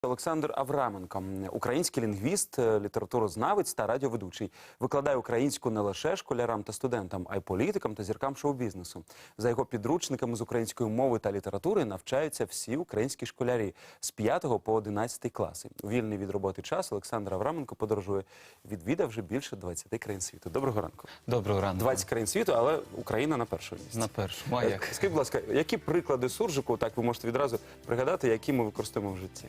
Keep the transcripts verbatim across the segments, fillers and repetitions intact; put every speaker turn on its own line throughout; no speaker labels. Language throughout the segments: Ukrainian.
Олександр Авраменко, український лінгвіст, літературознавець та радіоведучий. Викладає українську не лише школярам та студентам, а й політикам та зіркам шоу-бізнесу. За його підручниками з української мови та літератури навчаються всі українські школярі з п'ятого по одинадцятий класи. У вільний від роботи час Олександр Авраменко подорожує, відвідав вже більше двадцяти країн світу. Доброго ранку.
Доброго ранку.
двадцять країн світу, але Україна на першому місці.
На першому, а як?
Скажіть, будь ласка, які приклади суржику, так ви можете відразу пригадати, які ми використовуємо в житті?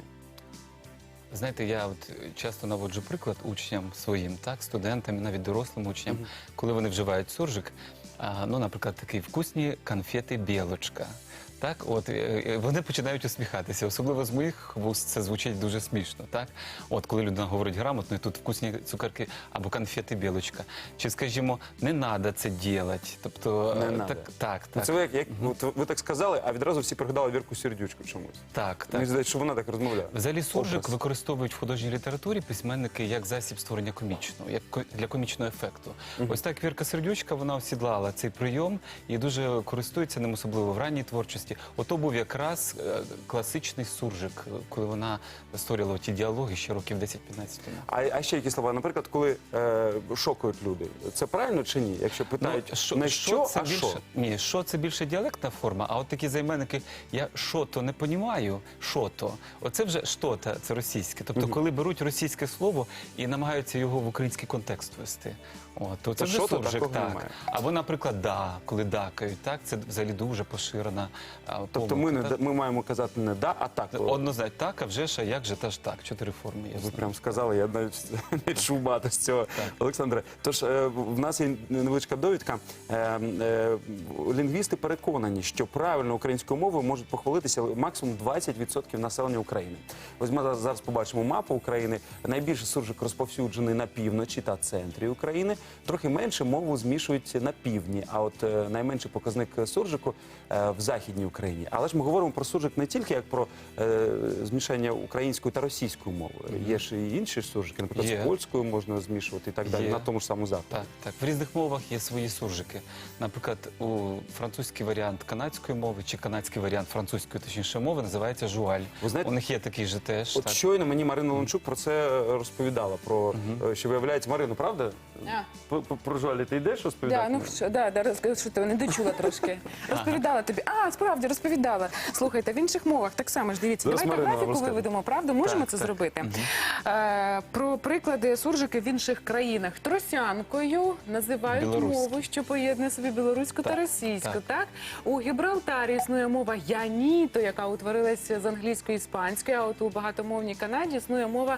Знаєте, я от часто наводжу приклад учням своїм, так, студентам, і навіть дорослим учням, mm-hmm. коли вони вживають суржик, а, ну, наприклад, такі вкусні конфети «Білочка». Так, от, вони починають усміхатися. Особливо з моїх вуст це звучить дуже смішно. Так? От, коли людина говорить грамотно, і тут вкусні цукерки або конфети «Білочка». Чи, скажімо, не треба це робити. Тобто,
не
так, так, так.
Ну, це ви, як, як, mm-hmm. ви так сказали, а відразу всі пригадали Вірку Сердючку чомусь.
Так, так.
Мені здається, що вона так розмовляє.
Взагалі суржик Образ. використовують в художній літературі письменники як засіб створення комічного, як для комічного ефекту. Mm-hmm. Ось так Вірка Сердючка, вона осідлала цей прийом і дуже користується ним, особливо в ранній творчості. Ото був якраз класичний суржик, коли вона створювала ті діалоги ще років десять-п'ятнадцять тому.
А, а ще які слова? Наприклад, коли е, шокують люди. Це правильно чи ні? Якщо питають, ну, шо, не що,
це
а
більше,
що?
Ні, що це більше діалектна форма, а от такі займенники, я що-то не понімаю, що-то. Оце вже що-то, це російське. Тобто, угу. коли беруть російське слово і намагаються його в український контекст ввести. О, то це, це вже суржик, так. Або, наприклад, да, коли дакають, так, це взагалі дуже поширена помилка.
Тобто ми, не, ми маємо казати не да, а так.
Однозначно, так, а вже ж, а як же, та ж так, чотири форми є.
Ви прям сказали, я навіть не чув багато з цього, так. Олександре. Тож, е, в нас є невеличка довідка. Е, е, лінгвісти переконані, що правильно українською мовою можуть похвалитися максимум двадцять відсотків населення України. Ось ми зараз побачимо мапу України. Найбільше суржик розповсюджений на півночі та центрі України. Трохи менше мову змішують на півдні, а от е, найменший показник суржику е, в Західній Україні. Але ж ми говоримо про суржик не тільки як про е, змішання української та російської мови. Mm-hmm. Є ж і інші суржики, наприклад, yeah. з польською можна змішувати і так далі, yeah. на тому ж самому заході.
Так, так. В різних мовах є свої суржики. Наприклад, у французький варіант канадської мови чи канадський варіант французької, точніше, мови називається жуаль. Ви знаєте, у них є такий же теж.
От так. Щойно мені Марина Лунчук про це розповідала, про, mm-hmm. що виявляється, Марину, правда? Yeah. Про жуалі ти йдеш розповідати?
Да, ну, що, да, да, розкажу, що ти не дочула трошки. Розповідала тобі. А, справді, розповідала. Слухайте, в інших мовах так само ж, дивіться.
Зараз
Давайте
Марина
графіку
розкаже.
виведемо, правда? Можемо
так,
це
так.
зробити?
Угу.
Е, про приклади суржики в інших країнах. Тросянкою називають мову, що поєднує собі білоруську
так,
та російську.
Так.
Так? У Гібралтарі існує мова яніто, яка утворилася з англійської і іспанської, а от у багатомовній Канаді існує мова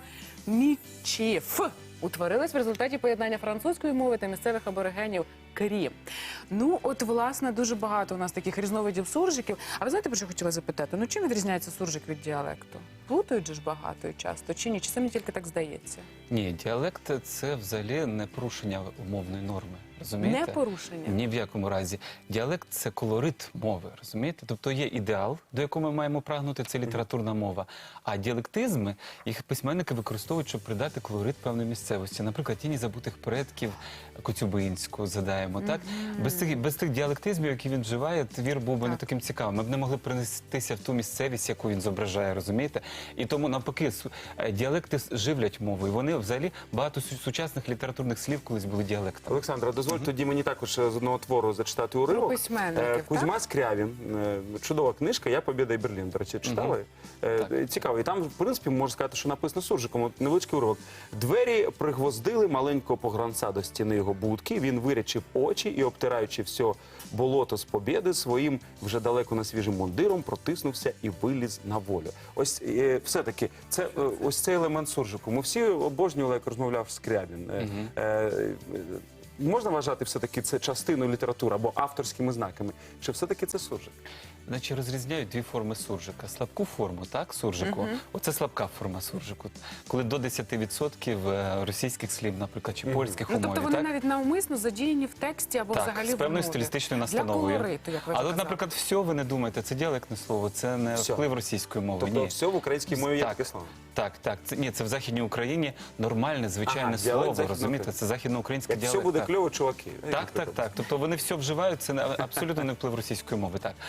мічіф. Утворилась в результаті поєднання французької мови та місцевих аборигенів крі. Ну, от, власне, дуже багато у нас таких різновидів суржиків. А ви знаєте, про що хотіла запитати? Ну, чим відрізняється суржик від діалекту? Плутають же ж багато і часто, чи ні? Чи це мені тільки так здається?
Ні, діалект – це взагалі не порушення умовної норми. Розумієте?
Не порушення?
Ні в якому разі. Діалект – це колорит мови, розумієте? Тобто є ідеал, до якого ми маємо прагнути, це літературна мова. А діалектизми, їх письменники використовують, щоб придати колорит певної місцевості. Наприклад, «Тіні забутих предків» Коцюбинського задаємо, так? Mm-hmm. Без тих, без тих діалектизмів, які він вживає, твір був би не таким цікавим. Ми б не могли принестися в ту місцевість, яку він зображає, розумієте? І тому, навпаки, діалекти живлять мову. І вони, взагалі, багато сучасних літературних слів колись були діалектами.
Олександра, дозвольте mm-hmm. тоді мені також з одного твору зачитати уривок.
Письменників,
Кузьма
так?
Скрявін. Чудова книжка «Я, Побєда і Берлін». До речі, читали? Mm-hmm. Цікаво. І там, в принципі, можна сказати, що написано суржиком. От невеличкий уривок. Двері пригвоздили маленького погранця до стіни його будки. Він вирячив очі і, обтираючи все болото з Побєди, своїм вже далеко на свіжим мундиром протиснувся і виліз на волю. Ось е, все-таки, це е, ось цей елемент суржику. Ми всі обожнювали, як розмовляв Скрябін. Е,
mm-hmm.
е, Можна вважати все-таки це частиною літератури або авторськими знаками? Чи все-таки це суржик?
Значить, розрізняють дві форми суржика. Слабку форму, так, суржику. Uh-huh. Оце слабка форма суржику. Коли до десяти відсотків російських слів, наприклад, чи польських
uh-huh.
у мові.
Ну, тобто вони
так?
навіть навмисно задіяні в тексті або
так,
взагалі в
з певною
мові.
стилістичною настановою.
Для колориту, як ви
Але, от, наприклад, все, ви не думаєте, це діалектне слово, це не
все.
Вплив російської мови.
Тобто
ні.
все в українській мові є
так,
таке слово?
Так, так. Це, ні, це в Західній Україні нормальне, звичайне
ага,
слово, розумієте? Це західноукраїнський діалект.
Все буде
так.
кльово, чуваки.
Так, так, так. Тобто вони все вживають, це абсолютно не вплив російської мови. Так. А ось, наприклад,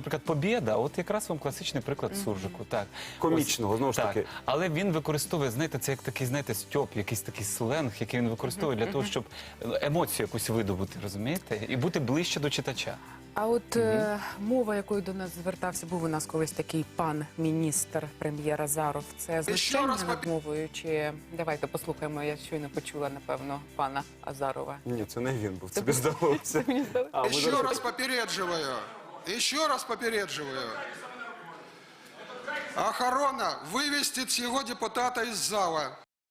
наприклад, побєда, от якраз вам класичний приклад суржику. Так.
Комічного, знову ж
Так.
таки.
Але він використовує, знаєте, це як такий, знаєте, стьоп, якийсь такий сленг, який він використовує для того, щоб емоцію якусь видобути, розумієте? І бути ближче до читача.
А от е, мова, якою до нас звертався, був у нас колись такий пан міністр, прем'єр Азаров. Це знущання
раз
над мовою? Чи давайте послухаємо, я щойно почула, напевно, пана Азарова.
Ні, це не він був, тобі здалося.
Мені здалося.
А, ми
Еще
зараз-
раз попередживаю. Еще раз попередживаю. Охорона, вывести цього депутата із зала.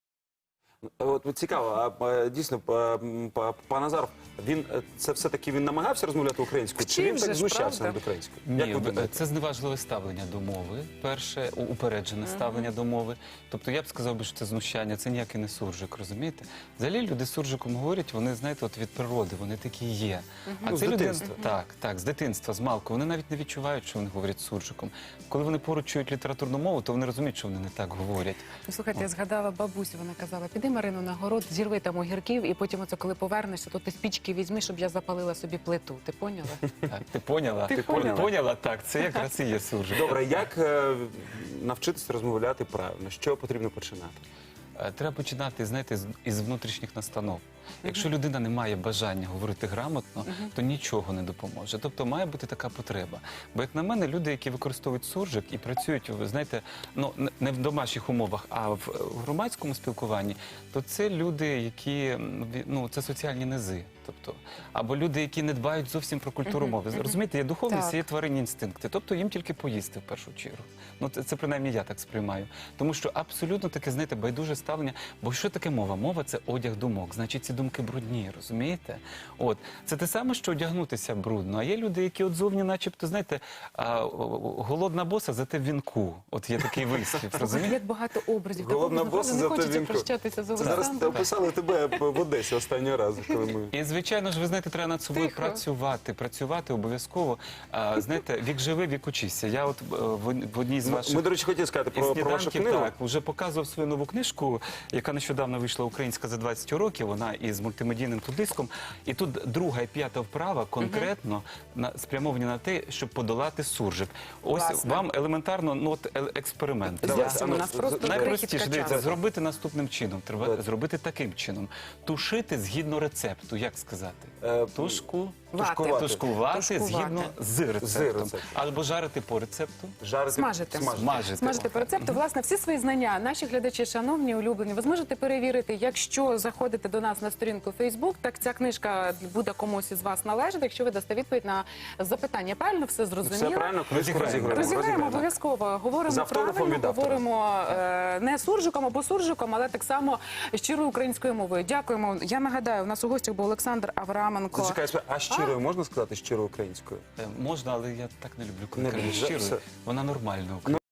От цікаво, а е, дійсно, па- па- пан Азаров, він е, це все-таки він намагався розмовляти українською, чи
Вчив
він
же
так
ж,
знущався
правда?
над українською?
Ні,
Як ви
в-
думаєте?
це зневажливе ставлення до мови. Перше, у- упереджене ставлення до мови. Тобто я б сказав би, що це знущання, це ніякий не суржик, розумієте? Взагалі люди з суржиком говорять, вони, знаєте, от від природи, вони такі є. А
Ну, з
це люди-
дитинства.
Так, так, з дитинства, з малку. Вони навіть не відчувають, що вони говорять суржиком. Коли вони поруч чують літературну мову, то вони розуміють, що вони не так говорять.
Ну, слухайте, я згадала бабусю, вона казала, піди, Марину, на город, зірви там огірків, і потім оце, коли повернешся, то ти спічки візьми, щоб я запалила собі плиту. Ти поняла?
Так, ти поняла?
Ти поняла?
поняла? Так, це якраз і є суржик.
Добре, як е, навчитися розмовляти правильно? З чого потрібно починати?
Е, Треба починати, знаєте, з- із внутрішніх настанов. Якщо людина не має бажання говорити грамотно, то нічого не допоможе. Тобто має бути така потреба. Бо, як на мене, люди, які використовують суржик і працюють, ви знаєте, ну не- не в домашніх умовах, а в в громадському спілкуванні, то це люди, які м, ві- ну це соціальні низи. Тобто, або люди, які не дбають зовсім про культуру мови. Розумієте, є духовність,
Так.
є тваринні інстинкти. Тобто їм тільки поїсти в першу чергу. Ну це, це принаймні я так сприймаю. Тому що абсолютно таке, знаєте, байдуже ставлення. Бо що таке мова? Мова це одяг думок. Значить, ці думки брудні, розумієте? От це те саме, що одягнутися брудно. А є люди, які от зовні, начебто, знаєте, а, о- о- голодна боса, зате в вінку. От є такий вислів, розумієте?
Як багато образів.
Голодна
Такого,
боса,
не
зате
хочеться
вінку.
прощатися з
Це зараз
Олександром.
описали тебе в Одесі останнього разу, коли ми...
І, звичайно ж, ви знаєте, треба над собою
Тихо.
працювати, працювати обов'язково. А, знаєте, вік живи, вік учися. Я от е, в в одній з ваших
Ми, до речі, хотіли сказати
із
про, про вашу
сніданків,
книгу.
так, вже показував свою нову книжку, яка нещодавно вийшла українська за двадцять років. Вона із мультимедійним диском. І тут друга і п'ята вправа конкретно на, спрямовані на те, щоб подолати суржик. Ось
Класно.
вам елементарно ну, от, е- експеримент.
Давайте,
Зовсім,
а ну,
у нас
з-
просто
з-
Найпростіше,
крихітка
дивіться,
часу.
зробити наступним чином. Треба
Давайте.
зробити таким чином. Тушити згідно рецепту, як сказати?
Е,
Тушку.
Тушкувати.
Тушкувати
Тушкувати.
згідно з рецептом.
З рецептом.
Або жарити по рецепту.
Жарити,
Смажити.
Смажити.
Смажити по рецепту. Власне, всі свої знання, наші глядачі, шановні, улюблені, ви зможете перевірити, якщо заходите до нас на сторінку Facebook, так ця книжка буде комусь із вас належати, якщо ви дасте відповідь на запитання. Правильно все зрозуміло?
Все правильно, книжку
Розіграємо.
розіграємо.
Розіграємо обов'язково. Говоримо
З автографом
правильно,
від автора.
говоримо е, не суржиком або суржиком, але так само щирою українською мовою. Дякуємо. Я нагадаю, у нас у гостях був Олександр Авраменко.
Зачекай, а щирою можна сказати щирою українською?
Е, Можна, але я так не люблю, коли
Не
кажуть
люблю,
щиро.
все.
Вона нормальна.